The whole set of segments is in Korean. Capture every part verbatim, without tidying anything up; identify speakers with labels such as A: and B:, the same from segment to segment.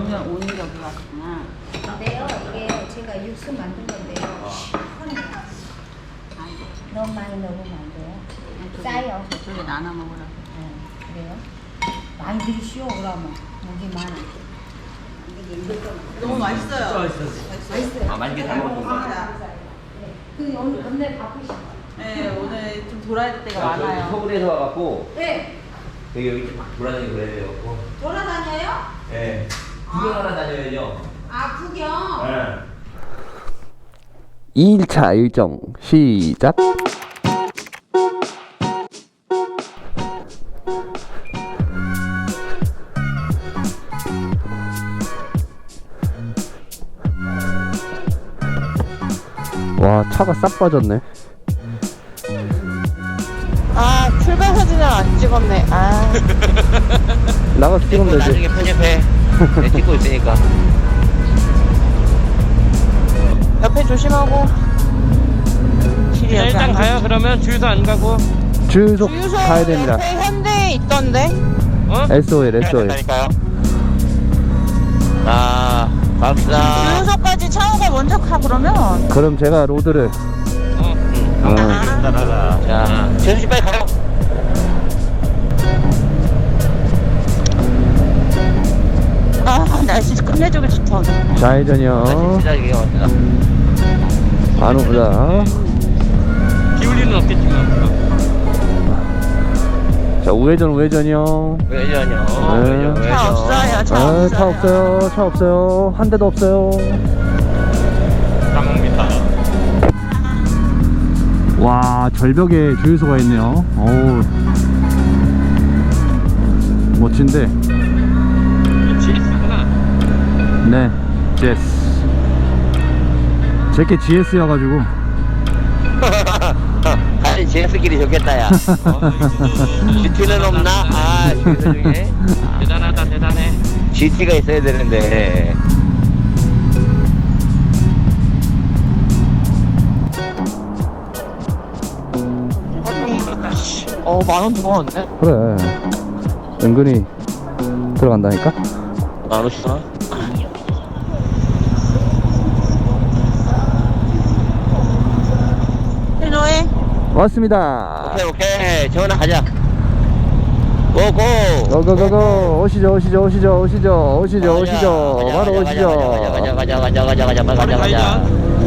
A: 오늘 오늘 여기 왔구나.
B: 근데요, 이게 제가 육수 만든 건데요. 시원해요. 너무 많이 넣으면 안 돼요. 짜요.
A: 저쪽에 나눠 먹으라고.
B: 네, 그래요? 많이 드시오, 그러면. 목이 많아.
A: 너무 맛있어요.
B: 맛있어요.
C: 아, 맛있게 잘 먹었습니다.
B: 그 오늘 오늘 바쁘시죠?
A: 네, 오늘 좀 돌아야 될 때가
C: 아, 저기
A: 많아요.
C: 서울에서 와갖고
B: 네.
C: 여기 여기 막 돌아다니고 그래야 돼갖고.
B: 돌아다녀요?
C: 예. 구경하러 다녀야죠.
B: 아, 구경.
C: 예.
D: 이 일차 일정 시작. 와, 차가 싹 빠졌네.
E: 아, 출발 사진을 안 찍었네. 아.
D: 나가서 찍으면 되지.
C: 나중에 편집해. 내 찍고 있으니까.
E: 옆에 조심하고. 길이
F: 네, 일단 가요. 그러면 주유소 안 가고.
D: 주유소
E: 주유소
D: 가야 됩니다.
E: 옆에 현대 있던데.
F: 어?
D: 에스오엘, 에스오엘.
C: 된다니까요. 아, 갑시다.
E: 주유소까지 차오가 먼저 가 그러면.
D: 그럼 제가 로드를.
F: 어.
D: 어.
C: 따라가. 자, 재수 씨 빨리 가요.
E: 아, 날씨 끝내주기 좋다.
D: 좌회전이요.
C: 시작이에요. 갑시다.
D: 안 오보다.
F: 기울리는 없겠지만.
D: 자, 우회전, 우회전이요.
C: 왜냐요?
D: 네.
C: 왜죠?
E: 차 없어요, 차
D: 아,
E: 없어요.
D: 차 없어요. 차 없어요. 한 대도 없어요.
F: 까먹니다.
D: 와, 절벽에 주유소가 있네요. 어우, 멋진데.
F: 지에스구나.
D: 네, 지에스. 제게 지에스여가지고.
C: 아니, 제스끼리 좋겠다, 야. 지티는 없나? 아, 주유소 중에.
F: 대단하다, 대단해.
C: 지티가 있어야 되는데.
E: 어, 만 원 더 왔네.
D: 그래. 은근히 들어간다니까?
C: 안 오시나?
E: 신호해.
D: 왔습니다.
C: 오케이, 오케이. 재원아, 가자. 고고!
D: 고고고고. 오시죠, 오시죠, 오시죠, 오시죠, 오시죠, 오시죠. 바로 오시죠.
C: 가자, 가자, 가자, 가자, 가자, 가자, 가자, 가자.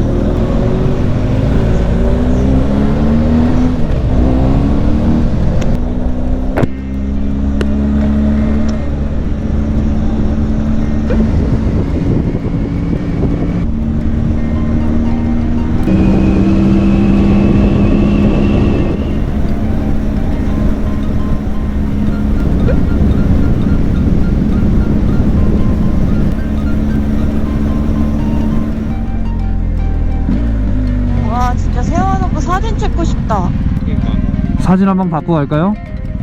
E: 와, 진짜 세워놓고 사진 찍고 싶다.
D: 사진 한번 받고 갈까요?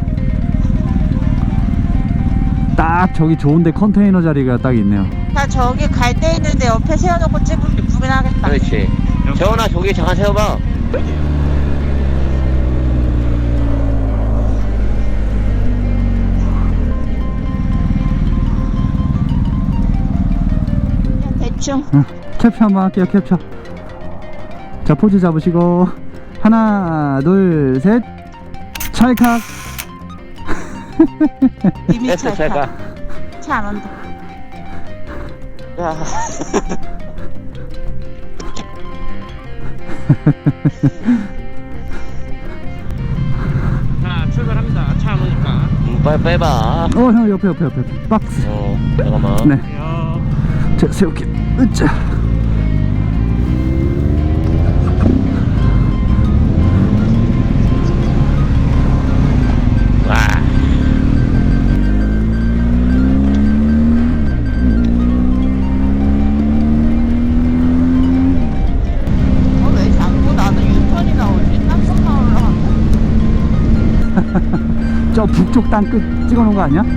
D: 딱 저기 좋은데 컨테이너 자리가 딱 있네요.
E: 나 저기 갈 데 있는데 옆에 세워놓고 찍으면 예쁘긴 하겠다.
C: 그렇지. 재원아, 저기 잠깐 세워봐.
E: 그냥 대충.
D: 응, 캡처 한번 할게요. 캡처. 자, 포즈 잡으시고 하나 둘셋 찰칵.
E: 이미
C: 됐어, 잘 가.
E: 차 안 온다.
C: 야.
F: 자, 출발합니다. 차 안 오니까.
C: 음, 빨리 빼봐.
D: 어, 형 옆에 옆에 옆에 옆에. 박스.
C: 어, 잠깐만.
D: 네.
F: 야.
D: 자, 세울게. 으쌰.
C: 와.
E: 어, 왜 자꾸 나는 유턴이 나오지? 땅속 나오려 하네.
D: 저 북쪽 땅 끝 찍어놓은 거 아니야?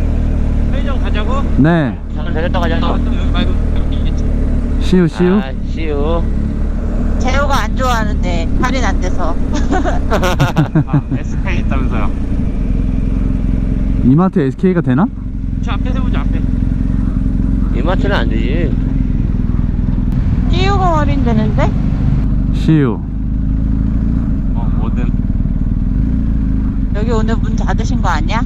F: 편의점 가자고?
D: 네.
C: 잠깐 내렸다 가자.
F: 아, 또 여기 말고 여기 있겠지.
D: 시우 시우.
C: 아, 씨유.
E: 재호가 안 좋아하는데 할인 안 돼서.
F: 아, 에스케이 있다면서요.
D: 이마트 에스케이가 되나?
F: 저 앞에 세우자 앞에.
C: 이마트는 안 되지.
E: 찌우가 할인 되는데?
D: 씨유.
F: 어 뭐든.
E: 여기 오늘 문 닫으신 거 아니야?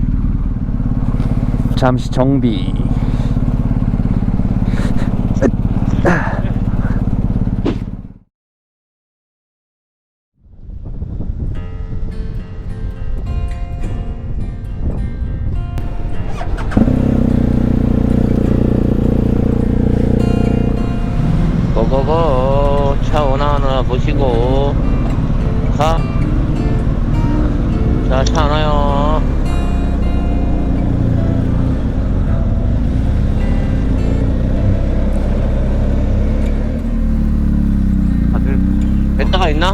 D: 잠시 정비.
C: 고고고. 차 오나 오나 보시고 가. 자, 차 안 와요.
F: 다들.
C: 뱉다가 있나?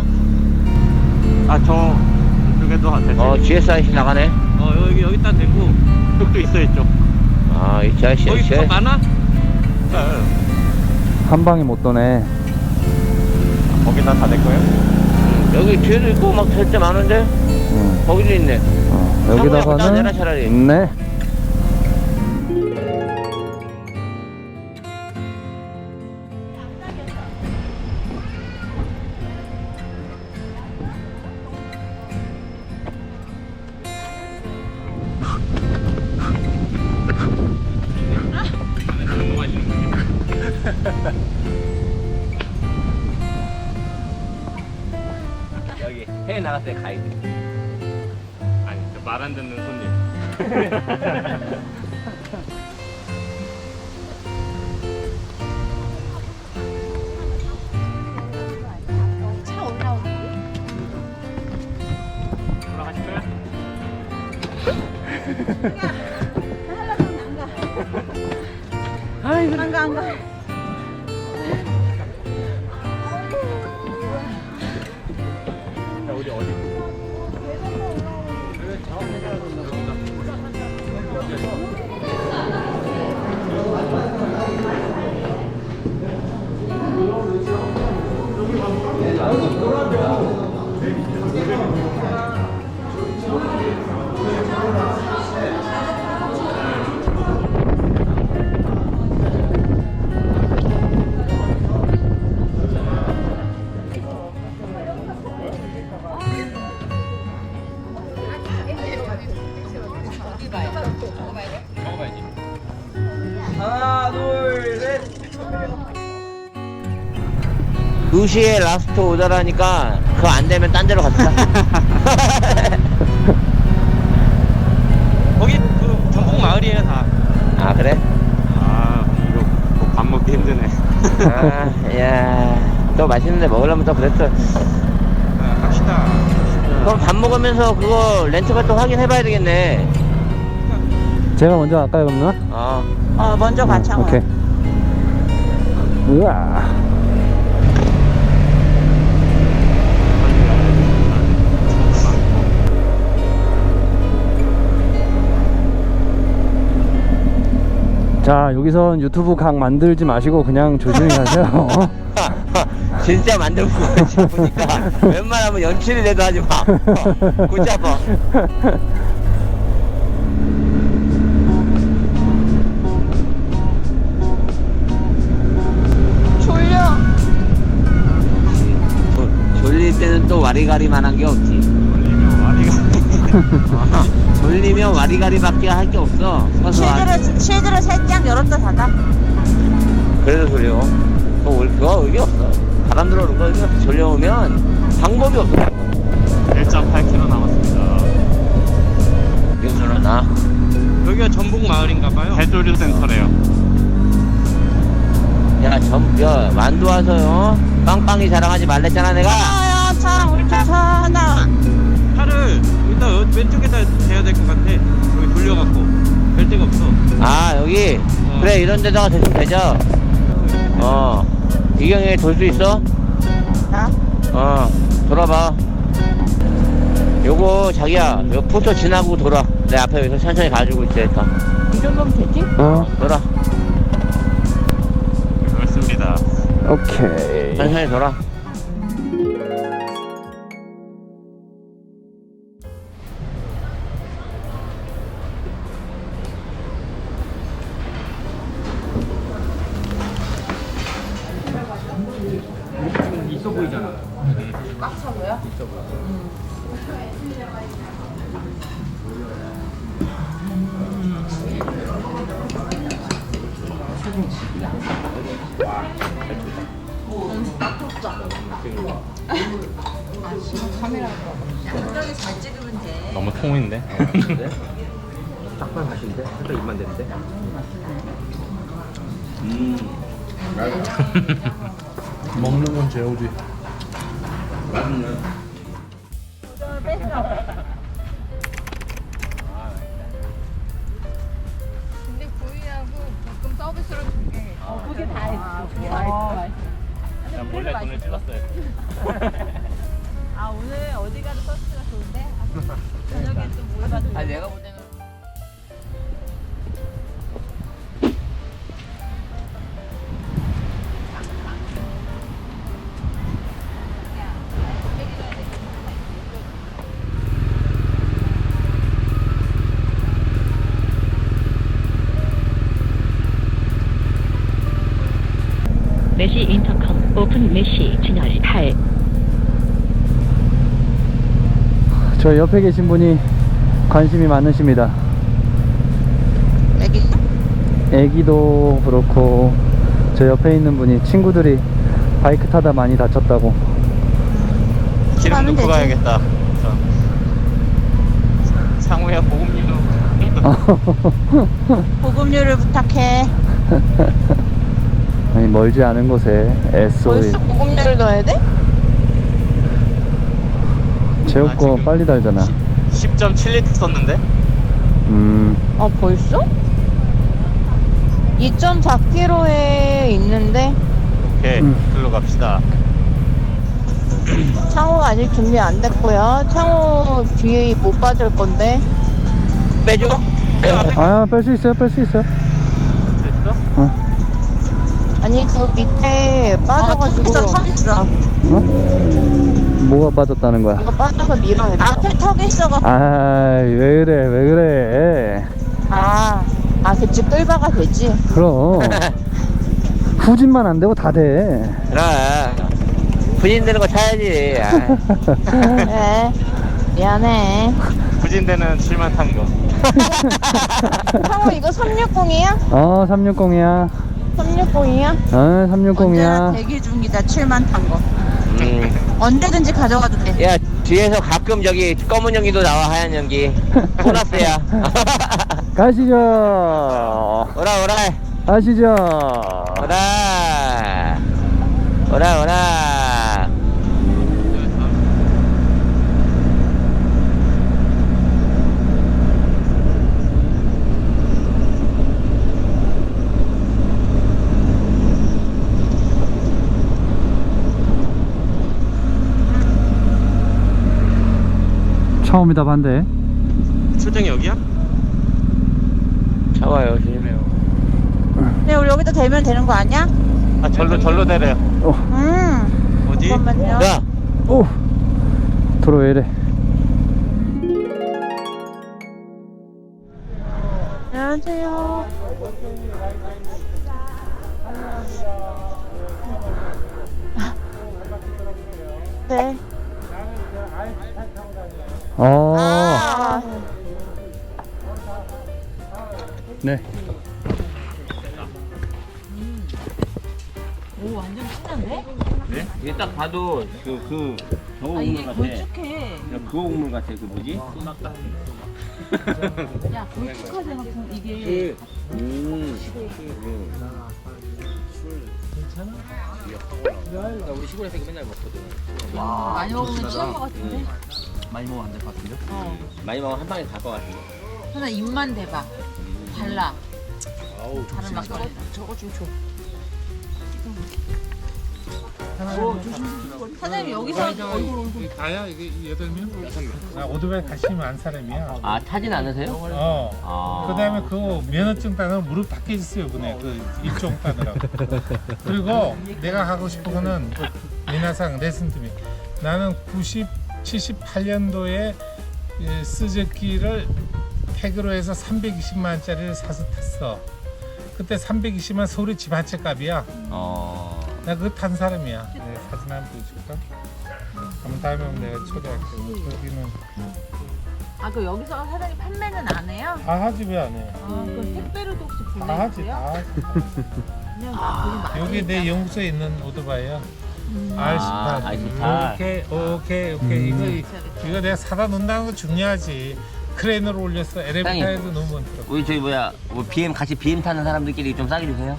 F: 아저 이쪽에도 될
C: 어, 지에스아이씨 나가네.
F: 어 여기 여기다 대고 이쪽도 있어 이쪽.
C: 아, 이 자식.
F: 거기 차 많아?
D: 한 방에 못 도네.
F: 거기다 다 될 거예요?
C: 음, 여기 뒤에도 있고 막 될 때 많은데?
D: 응.
C: 거기도 있네.
D: 어,
C: 상호야, 갖다 내라,
D: 여기다가는
C: 차라리.
D: 네.
C: 여기 해외 나갔을 때 가이드.
F: 아니 말 안 듣는 손님.
B: 차 올라오는데?
F: 올라가실 거야?
B: 안 가, 안 가.
F: 자 우리 어디?
C: 두 시에 라스트 오더라니까 그거 안 되면 딴 데로 갑시다.
F: 거기 그 전북 마을이에요 다.
C: 아, 그래?
F: 아 이거 뭐밥 먹기 힘드네.
C: 아, 야, 또 맛있는 데 먹으려면 또 그랬어.
F: 아, 갑시다.
C: 그럼 밥 먹으면서 그거 렌트가 또 확인해봐야 되겠네.
D: 제가 먼저 갈까요, 그럼 누나?
C: 어.
E: 어 먼저 가 창호야.
D: 오케이. 우와. 자, 여기선 유튜브 각 만들지 마시고 그냥 조심히 가세요.
C: 진짜 만들고 지금 보니까 웬만하면 연출이라도 하지 마. 어, 굳이 아파.
E: 졸려.
C: 조, 졸릴 때는 또 와리가리만한 게 없지.
F: 걸리면 와리가.
C: 어, 졸리면 와리가리밖에 할 게 없어. 서서 와-
E: 실드를 실드를 살짝 열었다 닫아.
C: 그래도 졸려. 그거, 올- 그거 의미 없어. 바람 들어오는 거 의미 없어. 졸려오면 방법이 없어.
F: 일 점 팔 킬로미터 남았습니다.
C: 윤수는 나.
F: 여기가 전북 마을인가봐요. 해조류 센터래요.
C: 야, 점, 야, 만두 와서요. 빵빵이 자랑하지 말랬잖아, 내가.
E: 아야 차 우리 차 차나.
F: 차를 일단 어- 왼쪽에다 대야 될 것 같아. 여기 돌려갖고 될 데가 없어.
C: 아, 여기?
F: 어.
C: 그래, 이런 데다가 대충 되죠? 어. 이경이 돌 수 있어?
E: 나?
C: 어. 돌아봐. 요거, 자기야, 요 포토 지나고 돌아. 내 앞에 여기서 천천히 가지고 있으니까.
E: 이 정도면 되지?
D: 어.
C: 돌아.
F: 그렇습니다.
D: 오케이.
C: 천천히 돌아.
F: 있어 보이잖아.
E: 꽉 차고요?
F: 너무 통인데?
C: 딱만 맛인데? 살짝 입만 되는데?
D: 먹는 건 제오지.
C: 맛있네.
E: 근데 구이하고 볶음 서비스로 줄게. 어, 그게 다 했어.
F: 난 몰래 돈을 찔렀어요.
A: 아 오늘 어디 가도 서비스가 좋은데? 아, 저녁에 또 뭘 받을
C: 아 내가 볼 때는
G: 메시 인터컴 오픈 메시 진열 팔.
D: 저 옆에 계신 분이 관심이 많으십니다.
E: 애기?
D: 애기도 그렇고 저 옆에 있는 분이 친구들이 바이크 타다 많이 다쳤다고.
F: 기름
E: 가면
F: 넣고
E: 되지.
F: 가야겠다. 저. 상우야 보급류로.
E: 보급료를 부탁해.
D: 아니 멀지 않은 곳에 에스오이
E: 벌써 보급료를 넣어야 돼?
D: 제우
F: 아,
D: 거
F: 지금
D: 빨리 달잖아.
F: 십 점 칠 리터 썼는데?
D: 음.
E: 아 벌써? 이 점 사 킬로미터에 있는데
F: 오케이,
D: 음.
F: 글로 갑시다.
E: 창호가 아직 준비 안 됐고요. 창호 뒤에 못 빠질 건데.
C: 빼줘?
D: 아, 뺄 수 있어요, 뺄 수 있어요.
F: 됐어?
D: 어.
E: 아니 그 밑에 빠져가지고
D: 어? 뭐가 빠졌다는 거야?
E: 이거 빠져서 밀어야 돼. 앞에 턱이 있어가.
D: 아, 왜 그래, 왜 그래.
E: 아, 아 그치 끌바가 되지.
D: 그럼. 후진만 안 되고 다 돼.
C: 그래. 부진되는 거 차야지. 아.
E: 그래. 미안해.
F: 부진대는 칠만 탄 거.
E: 창호 이거 삼백육십이야?
D: 어, 삼백육십이야.
E: 삼백육십이야?
D: 어, 삼백육십이야.
A: 대기 중이다. 칠만 탄 거.
C: 음.
A: 언제든지 가져가도 돼.
C: 야, 뒤에서 가끔 저기 검은 연기도 나와, 하얀 연기. 보너스야.
D: 가시죠.
C: 오라, 오라.
D: 가시죠.
C: 오라. 오라, 오라.
D: 처음이다 반대.
F: 출장이 여기야?
C: 잡아요, 조심해요.
E: 네, 우리 여기다 대면 되는 거 아니야?
F: 아, 절로, 절로 내려요.
E: 음.
F: 어디?
E: 잠깐만요.
C: 야,
D: 오, 도로 왜 이래?
E: 안녕하세요. 네.
D: 어,
E: 아,
D: 네.
A: 오 완전 신난데?
C: 네? 이게 딱 봐도 그, 그, 저거
A: 아 이게
C: 국물 같아.
A: 걸쭉해.
C: 그거 국물 같아, 그 뭐지?
A: 야 걸쭉하지 않고 이게.
C: 음.
A: 많이 먹으면 취할 것 같은데?
C: 많이 먹으면 안 될 것 같은데? 많이 먹으면 한 방에 갈 것 같은데?
A: 하나 입만 대봐. 달라.
F: 아우,
A: 다른 막걸리.
E: 저거 좀 줘.
A: 사장님 여기서
H: 다야 이게 여덟 명? 여섯 명. 아 오토바이 관심이 많은 사람이야.
C: 아 타진 않으세요?
H: 어.
C: 아.
H: 그다음에 그 면허증 따는 무릎 다 깨졌어요 그네 그 일종 따느라고. 그리고 내가 하고 싶은 거는 그 미나상 레슨팀이 나는 구십, 칠십팔 년도에 스즈키를 태그로 해서 삼백이십만 원짜리를 사서 탔어. 그때 삼백이십만 서울의 집 한 채 값이야.
C: 어.
H: 나 그거 탄 사람이야. 네, 사진 한번 보여줄까? 한번 다음에 오면 내가 초대할게. 여기는
A: 아 그 여기서 사장님 판매는 안 해요?
H: 다 하지 왜 안 해?
A: 아 그럼 택배로도 혹시
H: 다 하지,
A: 보내주세요?
H: 다 하지.
A: 그냥 돈이 많으니까.
H: 여기 내 연구소에 있는 오토바이야.
A: 음.
H: 알
C: 아,
H: 십팔.
C: 알 십팔.
H: 오케이, 오케이, 오케이. 이거 이거 내가 사다 놓는다는 거 중요하지. 크레인으로 올렸어. 엘리베이터에도 너무 많더라고.
C: 우리 저기 뭐야 뭐 비엠 같이 비엠 타는 사람들끼리 좀 싸게 주세요.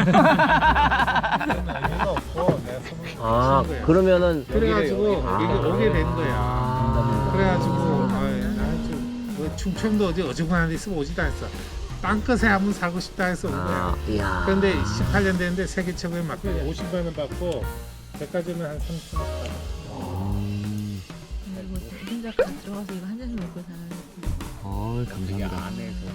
H: 의미가 없고 내가 선물
C: 아
H: 준 거야.
C: 그러면은
H: 그래가지고
C: 아.
H: 여기 오게 된 거야. 그래가지고 아주 뭐 충청도 어디 어중간한 데 있으면 오지도 않았어. 땅끝에 한번 살고 싶다 해서 온
C: 아,
H: 거야.
C: 이야.
H: 그런데 십팔 년 됐는데 세계 최고에 맞고 오십만 원 받고 백화점에 한 삼천 원 받고.
A: 이거 혼자 들어가서 이거 한 잔씩 먹고 사는.
C: 어 감사합니다.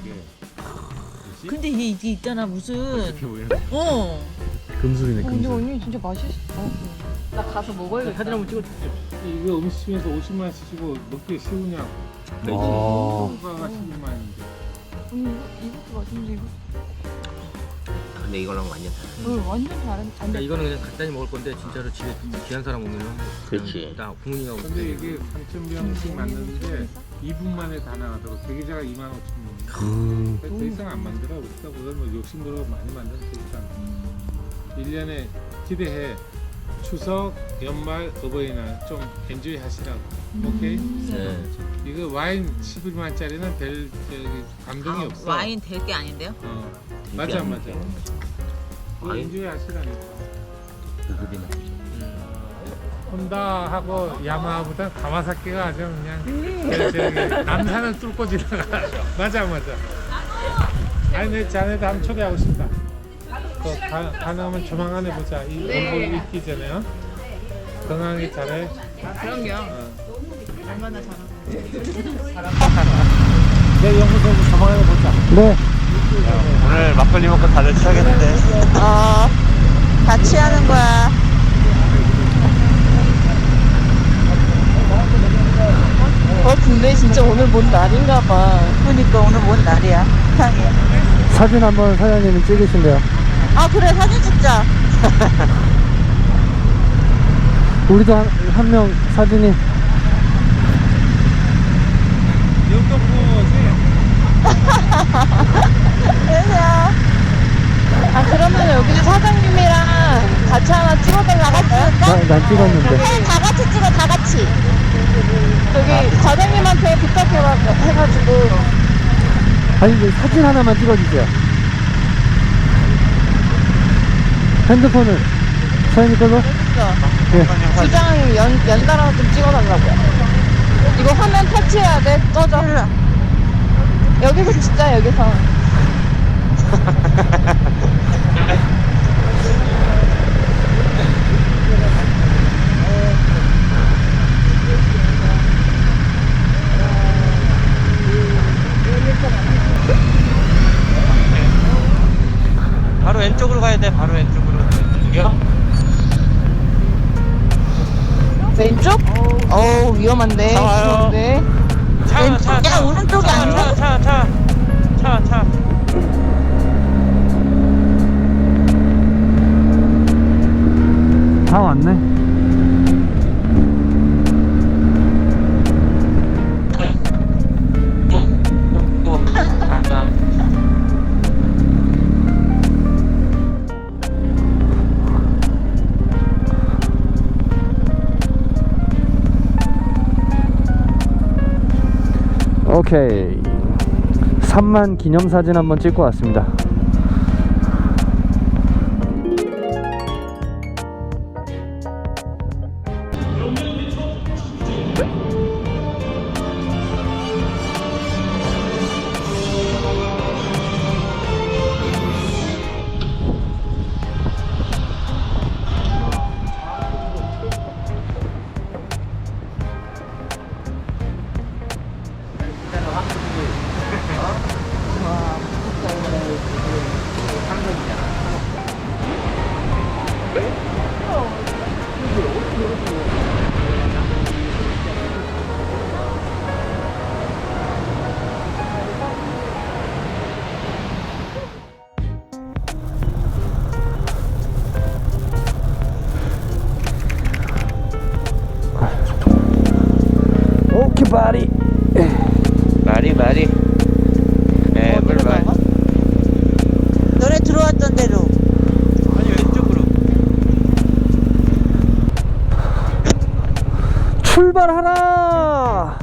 A: 근데 이게, 이게 있잖아 무슨. 어.
D: 금술이네
A: 근데
D: 금술.
A: 언니 진짜 맛있어. 나 가서 먹어야겠다. 사진 한번 찍어.
H: 이거 음식점에서 오십만 원 쓰시고 먹기 쉬우냐고.
D: 어.
H: 소가가 십만 원인데.
A: 언니 이것도 맛있는데 이거.
C: 근데 이거랑 완전 다르네.
A: 응 완전 다른.
F: 그러니까 이거는 그냥 간단히 먹을 건데 진짜로 집에 귀한 사람 오면
C: 그렇지.
F: 나 부모님하고
H: 근데 이게 삼천 병씩 만드는데 이 분 만에 다 나가더라고. 대기자가 이만 오천 명.
D: 음.
H: 더 이상 안 만들어. 우리가 그걸 뭐 욕심으로 많이 만드는 더 이상. 일 년에 기대해. 추석, 연말, 어버이날 좀 엔조이 하시라고. 오케이?
C: 네.
H: 이거 와인 십일만 원짜리는 별 저기 감동이 없어.
A: 와인 될 게 아닌데요?
H: 어. 맞아 맞아. 이거
C: 와인?
H: 엔조이 하시라니까.
C: 그거리나.
H: 혼다하고 야마하보다 가와사키가 아주 그냥 저- 저기 남산을 뚫고 지나가. 맞아 맞아. 아니 내 자네도 한번 초대하고 싶다. 그 가, 가능하면 조만간에 보자. 이 얼굴 잊기 전에 어? 건강하게 잘해.
A: 그럼요.
H: 어.
A: 얼마나 잘하고.
H: 내 연구소에서 조만간에 보자.
D: 네.
C: 오늘 막걸리 먹고 다들 취하겠는데.
E: 어, 같이 하는 거야. 어, 근데 진짜 오늘 뭔 날인가 봐. 그러니까 오늘 뭔 날이야. 세상에.
D: 사진 한번 사장님이 찍으신대요.
E: 아, 그래, 사진 찍자.
D: 우리도 한, 한 명 사진이.
H: 연동부지.
E: 안녕하세요. 아, 그러면 여기서 사장님이랑 같이 하나 찍어달라고 할까?
D: 나, 난 찍었는데.
E: 네, 다 같이 찍어, 다 같이. 저기 사장님한테 부탁해가지고 해가지고.
D: 아니 이제 사진 하나만 찍어주세요. 핸드폰을 사장님 걸로? 네.
E: 두 장 연, 연달아 좀 찍어달라고요. 이거 화면 터치해야 돼. 꺼져. 여기서 진짜 여기서.
F: 바로 왼쪽으로 가야 돼. 바로 왼쪽으로.
E: 왼쪽? 어우 위험한데.
F: 차 와요.
E: 위험한데.
F: 차,
E: 왼쪽.
F: 차,
E: 야
F: 차.
E: 오른쪽이
F: 차,
E: 아니라.
F: 차, 차, 차, 차.
D: 다 왔네. 오케이. 삼만 기념사진 한번 찍고 왔습니다. 출발하라.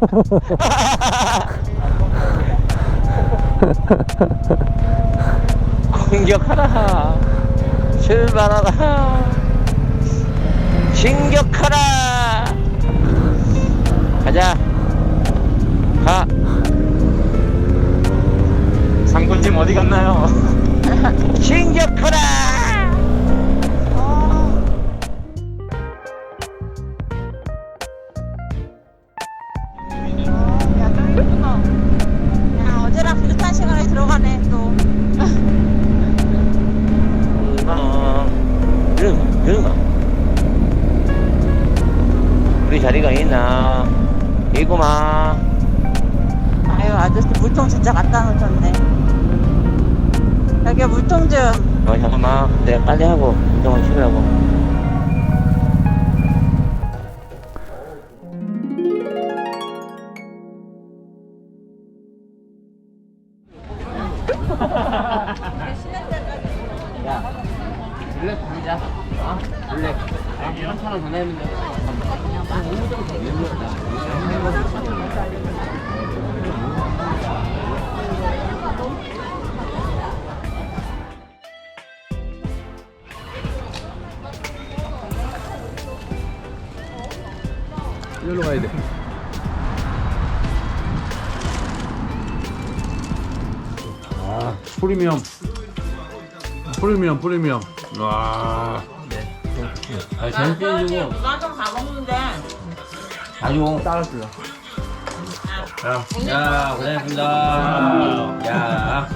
C: 공격하라. 출발하라. 진격하라. 가자. 가. 상군님 어디 갔나요? 진격하라.
E: 야, 좀 이쁘다. 야, 어제랑 비슷한 시간에 들어가네, 또.
C: 이러마, 이러마. 우리 자리가 있나? 이구마.
E: 아유, 아저씨 물통 진짜 갖다 놓으셨네. 여기 물통 좀.
C: 어, 잠깐만. 내가 빨리 하고, 운동을 치우라고. 야, 블랙 부르자. 어? 블랙. 한천 원 더 내면 돼.
D: 이리로 가야 돼. 아, 프리미엄. 프리미엄, 프리미엄. 와.
C: 아, 재밌게 해주고.
E: 누가 좀 다 먹는데.
C: 아주 따랐어요. 야, 야, 고생했습니다. 야.